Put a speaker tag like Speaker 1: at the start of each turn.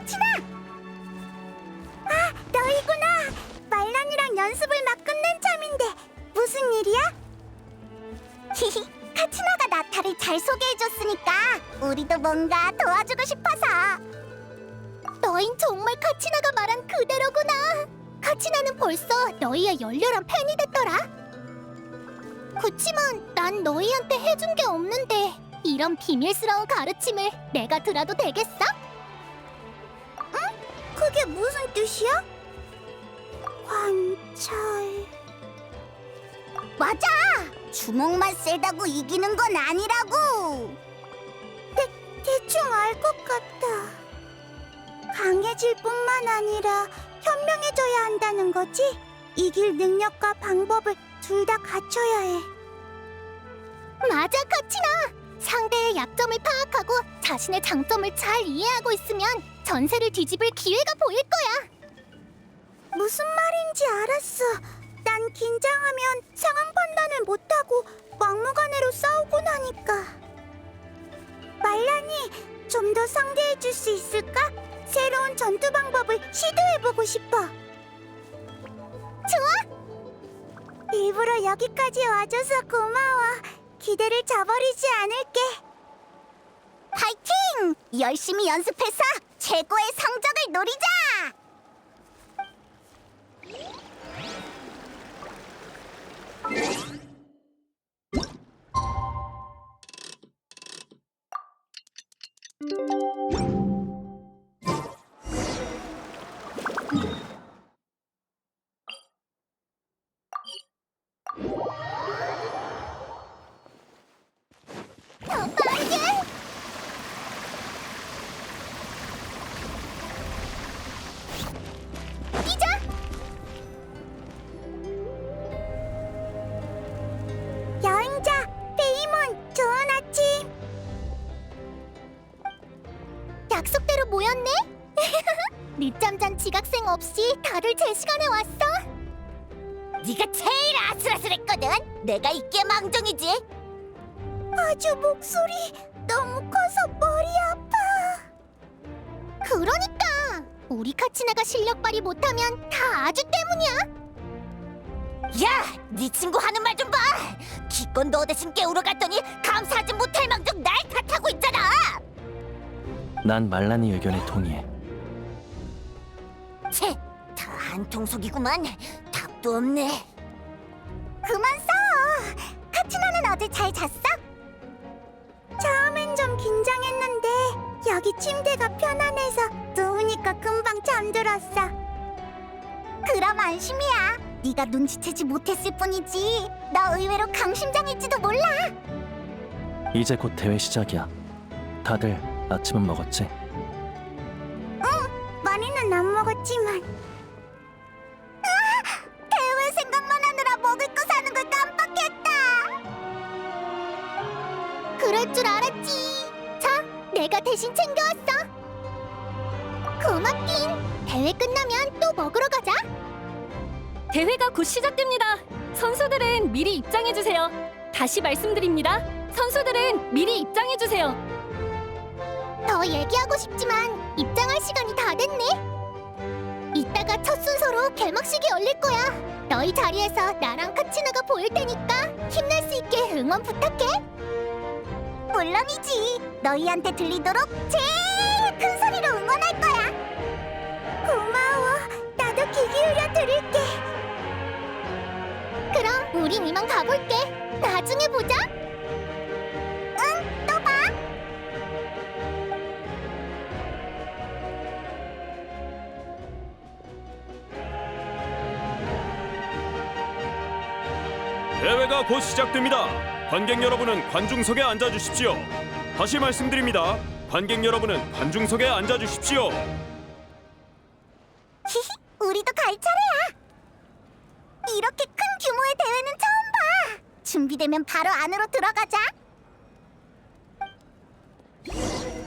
Speaker 1: 카치나! 아, 너희구나! 말란이랑 연습을 막 끝낸 참인데 무슨 일이야? 히히, 카치나가 나타를 잘 소개해줬으니까 우리도 뭔가 도와주고 싶어서. 너흰 정말 카치나가 말한 그대로구나. 카치나는 벌써 너희의 열렬한 팬이 됐더라. 그치만 난 너희한테 해준 게 없는데 이런 비밀스러운 가르침을 내가 들어도 되겠어? 응? 그게 무슨 뜻이야? 관찰... 맞아! 주먹만 세다고 이기는 건 아니라고! 대충 알 것 같아. 강해질 뿐만 아니라 현명해져야 한다는 거지? 이길 능력과 방법을 둘 다 갖춰야 해. 맞아, 카치나! 상대의 약점을 파악하고 자신의 장점을 잘 이해하고 있으면 전세를 뒤집을 기회가 보일 거야. 무슨 말인지 알았어. 난 긴장하면 상황 판단을 못하고 막무가내로 싸우고 나니까. 말란이, 좀 더 상대해줄 수 있을까? 새로운 전투 방법을 시도해보고 싶어. 좋아! 일부러 여기까지 와줘서 고마워. 기대를 저버리지 않을게. 파이팅! 열심히 연습해서 최고의 성적을 노리자! 더 빠르게! 뛰자! 여행자, 페이몬, 좋은 아침! 약속대로 모였네? 늦잠 잔 지각생 없이 다들 제 시간에 왔어? 네가 제일 아슬아슬했거든? 내가 이게 망정이지? 아주 목소리 너무 커서 머리 아파. 그러니까 우리 카치나가 실력 발휘 못하면 다 아주 때문이야. 야, 네 친구 하는 말 좀 봐. 기껏 너 대신 깨우러 갔더니 감사하지 못할 망정 날 탓하고 있잖아.
Speaker 2: 난 말란이 의견에 동의해.
Speaker 1: 채, 다 한통속이구만. 답도 없네. 그만 싸워. 카치나는 어제 잘 잤어? 처음엔 좀 긴장했는데 여기 침대가 편안해서 누우니까 금방 잠들었어. 그럼 안심이야. 네가 눈치채지 못했을 뿐이지. 너 의외로 강심장일지도 몰라.
Speaker 2: 이제 곧 대회 시작이야. 다들 아침은 먹었지?
Speaker 1: 응, 많이는 안 먹었지만. 대회 생각만 하느라 먹을 거 사는 걸 깜빡했다. 그럴 줄 알았지. 자, 내가 대신 챙겨왔어. 고맙긴. 대회 끝나면 또 먹으러 가자.
Speaker 3: 대회가 곧 시작됩니다. 선수들은 미리 입장해주세요. 다시 말씀드립니다. 선수들은 미리 입장해주세요.
Speaker 1: 더 얘기하고 싶지만 입장할 시간이 다 됐네. 이따가 첫 순서로 개막식이 열릴 거야. 너희 자리에서 나랑 카치나가 보일 테니까 힘낼 수 있게 응원 부탁해. 물론이지. 너희한테 들리도록 제일 큰 소리로 응원할 거야. 고마워. 나도 귀 기울여 들을게. 그럼 우린 이만 가볼게. 나중에 보자. 응, 또 봐.
Speaker 4: 대회가 곧 시작됩니다. 관객 여러분은 관중석에 앉아 주십시오. 다시 말씀드립니다. 관객 여러분은 관중석에 앉아 주십시오.
Speaker 1: 히히, 우리도 갈 차례야. 이렇게 큰 규모의 대회는 처음 봐. 준비되면 바로 안으로 들어가자.